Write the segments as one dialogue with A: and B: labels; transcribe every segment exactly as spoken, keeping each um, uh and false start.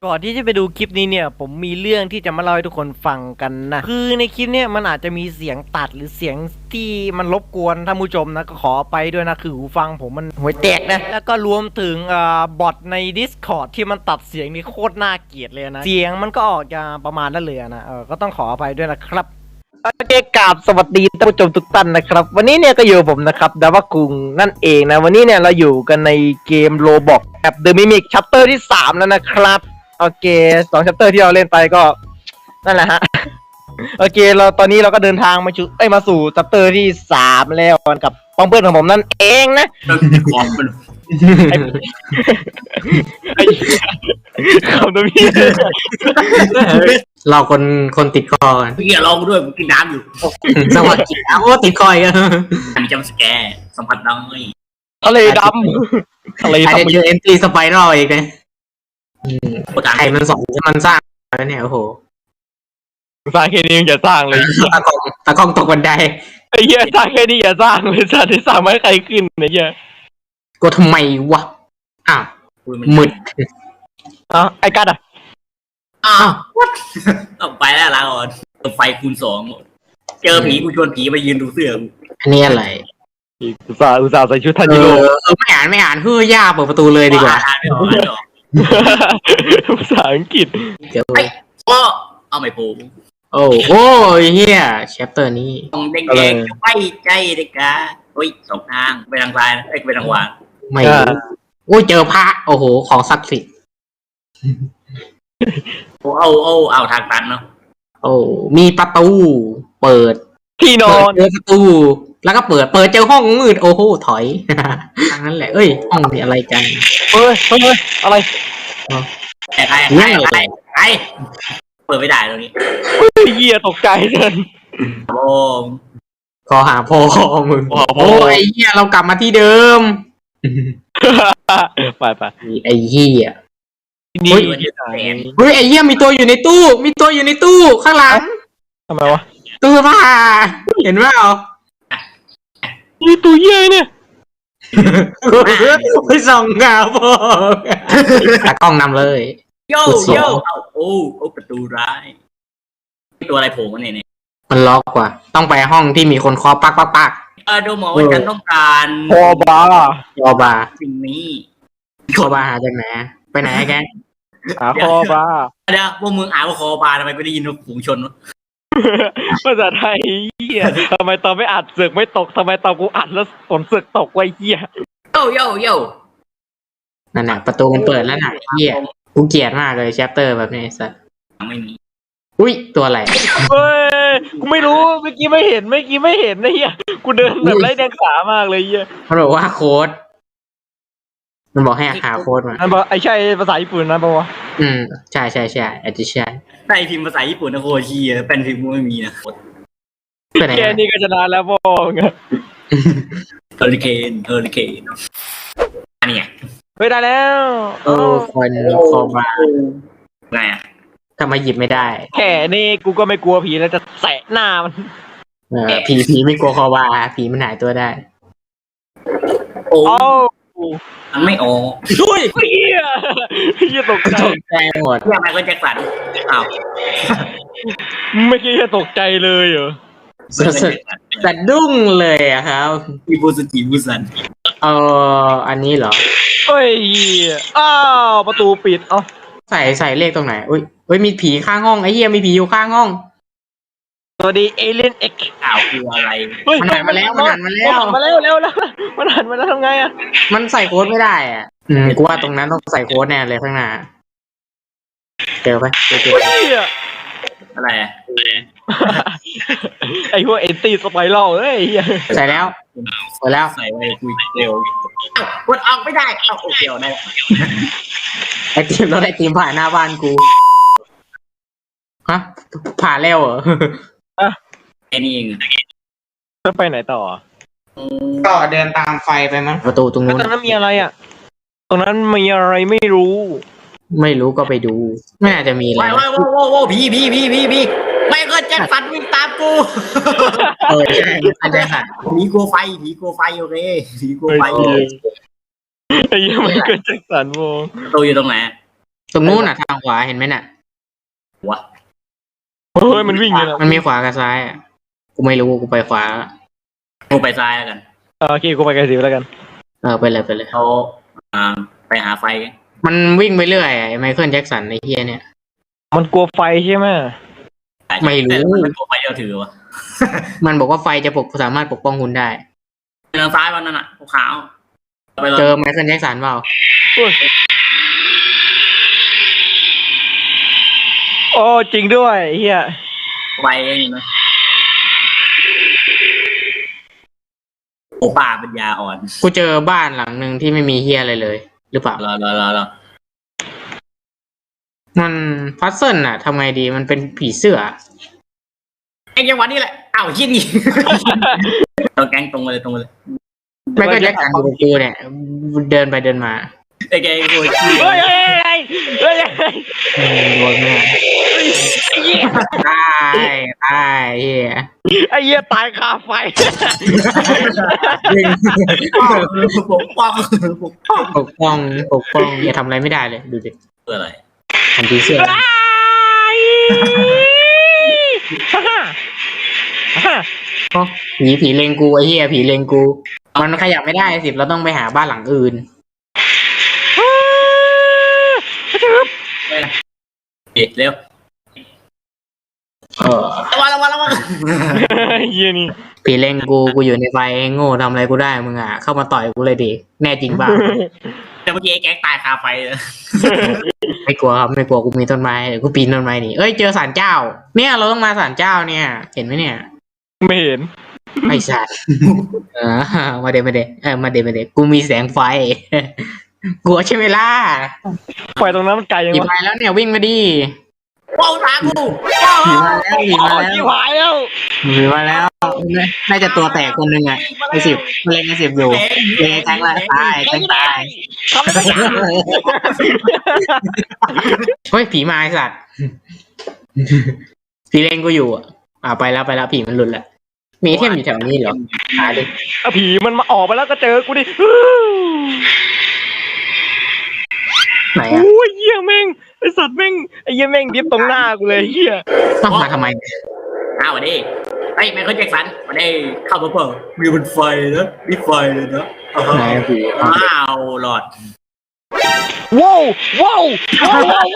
A: ก่อนที่จะไปดูคลิปนี้เนี่ยผมมีเรื่องที่จะมาเล่าให้ทุกคนฟังกันนะคือในคลิปเนี่ยมันอาจจะมีเสียงตัดหรือเสียงที่มันรบกวนท่านผู้ชมนะก็ขอไปด้วยนะคือหูฟังผมมันห่วยแตกนะแล้วก็รวมถึงอ่าบอทใน Discord ที่มันตัดเสียงนี่โคตรน่าเกลียดเลยนะเสียงมันก็ออกจะประมาณนั้นเลยนะเออก็ต้องขออภัยด้วยนะครับโอเคกราบสวัสดีท่านผู้ชมทุกท่านนะครับวันนี้เนี่ยก็อยู่ผมนะครับดาวกุงนั่นเองนะวันนี้เนี่ยเราอยู่กันในเกมโรบอกแบบ The Mimic Chapter ที่สามแล้วนะครับโอเคสอง chapter ที่เราเล่นไปก็นั่นแหละฮะ โอเคเราตอนนี้เราก็เดินทางมาชูเอ้ยมาสู่ chapter ที่สามแล้วกับป้องเพื่อนของผมนั่นเองนะ
B: เราติดคอมมัน
A: ไอ้คำตัวพี่
C: เราคนคนติดคอกัน
B: พี่อย่าลองด้วยผมกินน้ำอยู่
C: สวัสดีครับโอ้ติดคอยกัน
B: มีจำสแกร์สัมผัสน้อย
A: ทะเลดำทะเล
C: อาจ
A: ดำ
C: จะเจอเอ็นตรีสไปรัลอีกนะ
B: โคตร
C: ใครมันสอนให้มันสร้างแล้วเนี่ยโอ้โห
A: สร้างแค่นี้ยังจะสร้างเลย
C: ตะกองตะกองตกบันได
A: ไอ้เหี้ยสร้างแค่นี้อย่าสร้างเลยสร้างที่สร้างไม่ให้ใครขึ้นไอ้เหี้ย
C: ก็ทำไมวะอ้าว
B: คุย
C: มืด
A: อ่ะไอ้กัดอ่ะ
B: อ้าวต้องไปแล้วลาก่อนไฟคูณสองเจอผีกูชวนผีมายืนดูเสื้อ
C: อันนี้อะไร
A: อุตส่าห์อุตส่าห์ใส่ชุดทัน
C: เอ
A: จิโร่
C: อเออไม่อ่านไม่อ่านเฮ้ยย่าเปิดประตูเลยดีกว่า
B: อ่านไม่ออกอ่านไม่ออก
A: ภาษาอังกฤษ
C: เดี๋ยว
B: ก็เอาไม่พูด
C: โอ้โอ้ยเฮียแชปเตอร์นี้
B: ตรงแดงๆไม่ใจเลยกะโอ้ยสองทางไปทางซ้ายนะเอ้ยไปทางขวา
C: ไม่รู้โอ้ยเจอพระโอ้โหของศักดิ์สิทธิ์
B: โอ้เอาเอาเอาทางตันเนาะ
C: โอ้มีประตูเปิด
A: ที่นอน
C: เปิดประตูแล้วก็เปิดเปิดเจอห้องมืดโอ้โหถอย ทางนั้นแหละเอ้ยห้องนี้อะไรกัน
A: เฮ้ยเฮ้ยอะไร
B: ใครใครใครใครใครเปิดไม่ได้ตรงนี้
A: ไอ้เหี้ยตกใจเลย
B: โอ้
C: ขอหาพ่อมึง
A: ขอหาพ่อ
C: โอ้ยไอ้เหี้ยเรากลับมาที่เดิม
A: ไปไป
C: ไอ้เหี้ย
A: ดี
C: เฮ้ย
A: ที่ไหน
C: เฮ้ยไอ้เหี้ยมีตัวอยู่ในตู้ มีตัวอยู่ในตู้ข้างหลัง
A: ทำไมวะ
C: ตู้เสื้อผ้าเห็นไหมเอา
A: นี่ตัวเหี้ยเนี่ย
C: ไปส่องหาพ่อตากล้องนำเลย
B: โย่โย่เอาโอ้โอ้ประตูร้ายตัวอะไรโผล่มาเนี่ยเนี่ย
C: มันล็อกกว่า ต้องไปห้องที่มีคนเคาะปักปักปัก
B: เออดูหมอว่าฉันต้องการ
A: พอบาร์
C: ยอบา
B: สิ่งนี้
C: คอบาหาจากไหนไปไหนแก
A: หาคอบาร์
B: เดี๋ยวพวกมึงอ่านว่าคอบาทำไมกูได้ยินว่าฝูงชนวะ
A: ภาษาไทยเหี้ยทำไมตอนไม่อัดเสือกไม่ตกทำไมตอนกูอัดแล้วฝนเสือกตกไว้เหี้ย
B: โย่โย่โย่
C: นั่นน่ะประตูมันเปิดแล้วน่ะเหี้ยกูเกลียดมากเลยแชปเตอร์แบบนี้ไอ้สัส
B: ไม่มี
C: อุ้ยตัวอะไร
A: เฮ้ยกูไม่รู้เมื่อกี้ไม่เห็นเมื่อกี้ไม่เห็นนะเหี้ยกูเดินแบบไร้เดียงสามากเลยเหี้ย
C: มันบอกว่าโค้ด มันบอกให้หาโค้ดมา
A: นั่นบอกไอ้ใช่ภาษาญี่ปุ่นนะปะวะ
C: อืมใช่ใช่ใช่อาจจะใช่
B: ใต้พิมพ์ภาษาญี่ปุ่นนะโคชีเป็นพิมพ์กูไม่มีนะ
C: ไปไหน
A: แค่นี้ก็ชนะแล้วพ่อไง
B: เฮอริเคนเฮอริเคนอันนี้ไง
A: เฮ้ยได้แล้ว
C: โอ้คนคอบา
B: ไงอ่ะ
C: ทำไมหยิบไม่ได้
A: แค่นี้กูก็ไม่กลัวผีแล้วจะแสะหน้ามัน
C: เออผีผีไม่กลัวคอบาผีมันหายตัวได้
B: โอ้
A: เอ้า
B: มันไม่ออก
A: ช่วยเฮียเฮียตกใจ
C: ตกใจหมด
B: เรียกไมเคิลแจ็คสันอ้าว
A: ไม่คิดจะตกใจเลยเหรอ
C: สะสะสะดุ้งเลยอะครับ
B: อีบูสจิบูสัน
C: เอออันนี้เหรอ
A: เฮ้ยเหี้ยอ้าวประตูปิดเอ้า
C: ใส่ใส่เลขตรงไหนอุ้ยอุ้ยมีผีข้างห้องไอ้เหี้ยมีผีอยู่ข้างห้อง
A: สวัสดีเอเลียนเอ็ก
B: อ้าวคืออะไร
A: เฮ้ย
C: มันหันมาแล้วมันหันมาแล้ว
A: มันหันมาแล้วแล้วแล้วมันหันมาแล้วทำไงอะ
C: มันใส่โค้ดไม่ได้อ่ะ อืมกูว่าตรงนั้นต้องใส่โค้ดแน่เลยข้างหน้าเจอปะเจอเจอ
A: เฮ้ย
B: อะไรอะ
A: ไอ้พวกเอนตี้สไปรัลเอ้ยเหี้ย
C: ใส่แล้วใส่แล้ว
B: ใส่ไว้คุยเร็วอ้าวกดออกไม่ได้อ้าวโอเคเอาได้
C: ไอทีมรถไอทีมผ่านหน้าบ้านกูฮะผ่านแล้วเหรอ
B: ไอ้นี่เอง
A: จะไปไหนต่อ
C: ก็เดินตามไฟไปมั้งประตูตรง
A: แล้ว
C: นู้น
A: ตรงนั้นมีอะไรอ่ะ ตรงนั้นมีอะไรไม่รู้
C: ไม่รู้ก็ไปดู ไม่น่าจะมีอะไร
B: ว้ายว้ายว้ายว้ายว้ายผีผีผีผีผีไมเคิลแจ็คสันวิ่งตามกู
C: เออใช่อาจจะหัน
B: ผีกลัวไฟผีกลัวไฟโอเคผีกลัวไฟ
A: เฮ้ย ไอ้เหี้ยังไม่เกิดแจ็คสันโม
B: ประตูอยู่ตรงไหน
C: ตรงนู้นน่ะทางขวาเห็นไหมน่ะ
B: หัว
A: เฮ้ยมันวิ่งเลยนะ
C: มันมีขวากับซ้ายอ่ะกูไม่รู้กูไปขวา
B: กูไปซ้ายแล้วกัน
A: เออโอเคกูไปกันสิแล้วกัน
C: เออไปเลยไปเลย
B: เขาอ่าไปหาไฟกัน
C: มันวิ่งไปเรื่อยไอ้ไมเคิลแจ็คสันไอ้เฮียเนี่ย
A: มันกลัวไฟใช่ไหม
C: ไม่รู้
B: แต่มันตัวไฟเดียวถือวะ
C: มันบอกว่าไฟจะปกสามารถปกป้องคุณได้
B: ทางซ้ายวันนั้นอ่ะขาวๆไปเลย
C: เจอไมเคิลแจ็คสันเปล่า
A: โอ้จริงด้วยเฮีย
B: ไฟเองนะโอ้ป่าเป็นยาอ่อน
C: กูเจอบ้านหลังหนึ่งที่ไม่มีเฮียอะไรเลย หรือเปล่าร
B: อรอรอรอ
C: มันพัซเซิลน่ะทำไงดีมันเป็นผีเสื้อ
B: ไอ้จังหวะนี้แหละอ้าวชี้นี่ ตรงแกงตรงมาเลยตรงมาเลย
C: ไมเคิลแจ็คสันอยู่กับกูเนี่ยเดินไปเดินมา
B: ไอ้แกงกูชี้
A: เฮ้ยเฮ้ยเฮ้ยเฮ้ย
C: อืมโดนแม่ตายตายเฮีย
A: ไอ้เหี้ยตายคาไฟ
B: ปกป้องปกป้อง
C: ปกป้องปกป้องอย่าทำอะไรไม่ได้เลยดูดิ
B: เพื่ออะไร
C: ทำผีเสื้อ
A: ฮ่าฮ่าฮ่า
C: อ๋อผีผีเลงกูไอ้เหี้ยผีเลงกู มันขยับไม่ได้สิเราต้องไปหาบ้านหลังอื่น
B: เอ๊ะเร็ว
C: เออ
B: ระวังระวังระวัง
A: เหี้ยนี่
C: ผีเลงกูกูอยู่ในไฟโง่ทำอะไรกูได้มึงอ่ะเข้ามาต่อยกูเลยดิแน่จริงบ้า
B: แต่เมื่อกี้ไอ้แก๊งตายคาไฟเลย
C: ไม่กลัวครับไม่กลัวกูมีต้นไม้เดี๋ยวกูปีนต้นไม้หนี่เอ้ยเจอศาลเจ้า เนี่ยเราต้องมาศาลเจ้าเนี่ย เห็นไหมเนี่ย
A: ไม่เห็น
C: ไม่ใช่เออมาเดมาเดเออมาเดมาเดกูมีแสงไฟ กลัวใช่ไหมล่ะ
A: ไฟตรงนั้นมันไกลยัง
C: ผี
A: วะ
C: มาแล้วเนี่ยวิ่งมาดิ
B: ว้าวตากู
C: ผีมาแล้วผีมา
A: อ๋อ
C: แล้ว
A: ที่หายแล้ว
C: ผีมาแล้ว น่าจะตัวแตกคนหนึ่งอ่ะไอ้สิบมันเล่นไอ้สิบอยู่เล่นแทงละตายแทงตาย
A: ทำอะไรไม่ได้
C: เฮ้ยผีมาไอ้สัตว์ ผีเล่นกูอยู่อ่ะอ่าไปแล้วไปแล้วผีมันหลุดแล้วมีไอเทมอยู่แถวนี้เหรอหาดิ
A: อ่ะผีมันมาออกไปแล้วก็เจอกูดิ
C: ไหนอ่ะ
A: โอ้ยเหี้ยแม่งไอสัตว์แม่งไอเหี้ยแม่งดิฟตรงหน้ากูเลยเหี้ย
C: ต้องมาทำไม
B: อ้าววันนี้ไอ้ไมเคิลแจ็คสันวันนี้เข้ามาเปล่ามีบนไฟนะมีไฟเลยนะ
C: ไหนผี
B: ว้าวหลอด
A: ว้าวว้าวว้าวว้าว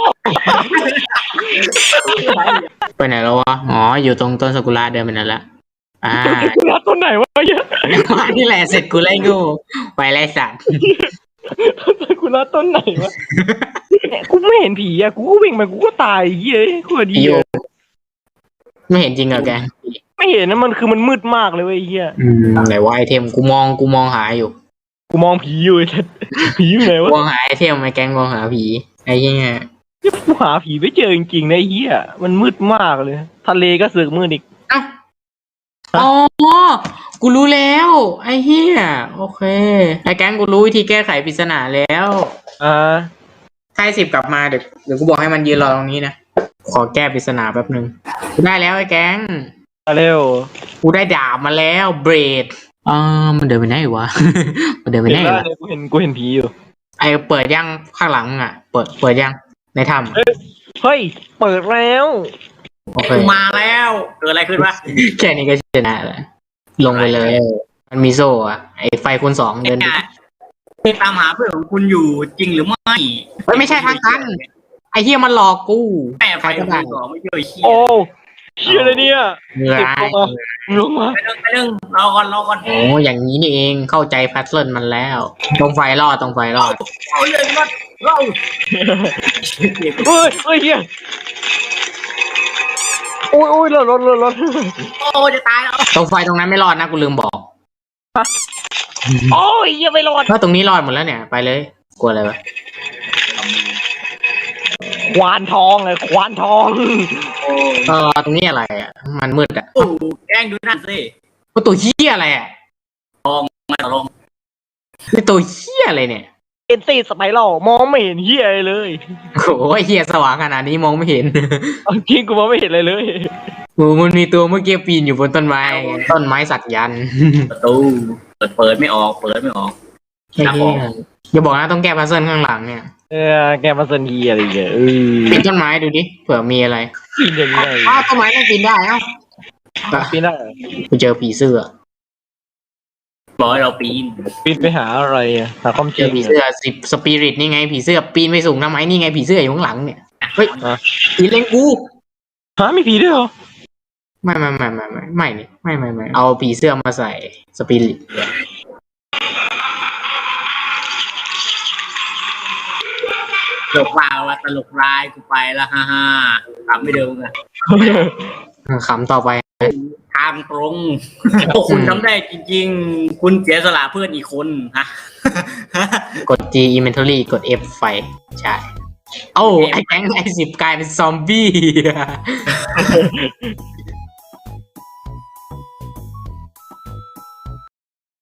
C: ไปไหนแล้ววะอ๋ออยู่ตรงต้นซากุระเดินไปนั่นละอ่า
A: กูรัดต้นไหนวะเหี้ย
C: มาที่แหละเสร็จกูไล่งูไปไล่สัตว์
A: กูรัดต้นไหนวะเนี่ยกูไม่เห็นผีอะกูก็วิ่งไปกูก็ตายเหี้ยกูดี
C: ผีอยู่
A: อะ
C: ไม่เห็นจริงเหรอแก
A: ไม่เห็นนะมันคือมันมืดมากเลยเว้ยไอ้เหี้ย
C: อืมไหนว่าไอเทมกูมองกูมองหาอยู่
A: กูมองผีอยู่ไอ้สัตว์ผีอยู่ไหนวะ
C: มองหาไอเทมไอแกงมองหาผีไอ้เหี้ย
A: กูหาผีไม่เจอจริงๆนะไอ้เหี้ยมันมืดมากเลย ทะเลก็เสือกมืดอีก
C: เอ้าอ๋อกูรู้แล้ว ไอ้เหี้ยโอเคไอ้แกงกูรู้วิธีแก้ไขปริศนาแล้ว
A: อ่า
C: ถ้าไอ้สิบกลับมาเดี๋ยวเดี๋ยวกูบอกให้มันยืนรอตรงนี้นะขอแก้ปริศนาแป๊บนึงกูได้แล้วไอ้แกง
A: มาเร็ว
C: กูได้ดาบมาแล้วเบรดอ่ามันเดินไปไหนวะ มันเดินไป
A: เห็น
C: ไหน
A: แล้ว
C: วะ
A: เนี่ยกูเห็นกูเห็นผีอยู่
C: ไอเปิดยังข้างหลังอ่ะ เปิดเปิดยังในถ้
A: เฮ้ยเปิดแล้ว
C: ำโอเค
B: กูมาแล้วเกิดอะไรขึ้นวะ
C: แค่นี้ก็ชนะแล้วลงไปเลย มันมีโซ่อะไอไฟคูณสองเดิน
B: เนี่ยตามหาเพื่อนของคุณอยู่จริงหรือไม่
C: เฮ้ยไม่ใช่ทางตันไอเฮียมันหลอกกู
B: แม่ไฟ
C: ใครก็
B: คุณ
C: ได้
B: สองไม่ช่วยเชี่ย
A: โอ้เชี่ยอะไรเนี่ย
C: เหนื่อย
A: ลงมา
B: ไปเรื่องไปเรื่องรอก่อนรอก่อน
C: โอ้อย่างนี้นี่เองเข้าใจแพทเทิร์นมันแล้ว ตรงไฟรอดตรงไฟรอด
B: เอาเรื่องก่อนเรา
A: เฮ้ยเฮ้ยเฮียโอ้ยโอ้ยรถรถรถรถ
B: โอ้จะตายแล้ว
C: ตรงไฟตรงนั้นไม่รอดนะกูลืมบอก
A: โอ้ยยังไม่รอด
C: เพราะตรงนี้รอดหมดแล้วเนี่ยไปเลยกลัวอะไรวะ
A: ควานทองเลยควานทอง
C: เออตรงนี้อะไรอ่ะมันมืดอ่ะ
B: โอ้แกล้งดูนั่นสิ
C: ว่าตัวเฮียอะไรอ่ะ
B: ไม่ตกลง
C: นี่ตัวเฮียอะไรเนี่ย
A: เอ็นซีสไปรัลมองไม่เห็นเฮียอะไรเลย
C: โอ้ยเฮียสว่างขนาดนี้มองไม่เห็น
A: เอาจริงกูมองไม่เห็นอะไรเลย
C: โอ้มันมีตัวเมื่อกี้ปีนอยู่บนต้นไม้ต้นไม้สักยันต์
B: ประตูเปิดเปิดไม่ออกเปิดไม่ออก
C: ไอ้เหี้ยอย่าบอกนะต้องแก้พัซเซิลข้างหลังเนี่ย
A: เออแกมาสนีอะไรอย่างเงี้ยเออ
C: ปีนต้นไม้ดูดิเผื่อมีอะไร
A: ปีนยังไง
C: อ้าวต้นไม้ต้องปีนได้เอ้า
A: ปีนได้เหรอ
C: กูเจอผีเสื้อ
B: บอกให้เราปีน
A: ปีนไปหาอะไรอ่ะหาความจ
C: เจ
A: ริ
C: อง ผี
A: อะ
C: เสื้อสิบสปิริตนี่ไงผีเสื้อปีนไม่สูงทำไมนี่ไงผีเสื้ออยู่ข้างหลังเนี่ยเฮ้ยผีเล็งกู
A: ฮะมีผีด้วยเหรอ
C: ไม่ไม่ไม่ไม่ไม่ไม่นี่ไม่ไม่ไม่เอาผีเสื้อมาใส่สปิริต
B: ตลกวาวว่าตลกร้ายกูไปละฮ่าฮ่าทำไม่เดิมอะ
C: ขำต่อไป
B: ทางตรง โอ้คุณทำได้จริงๆ คุณเสียสละเพื่อนอีกคนฮะ
C: กด G inventory กด F ไฟใช่โอ้าไอ้แก๊งไอ้สิบกลายเป็นซอมบี้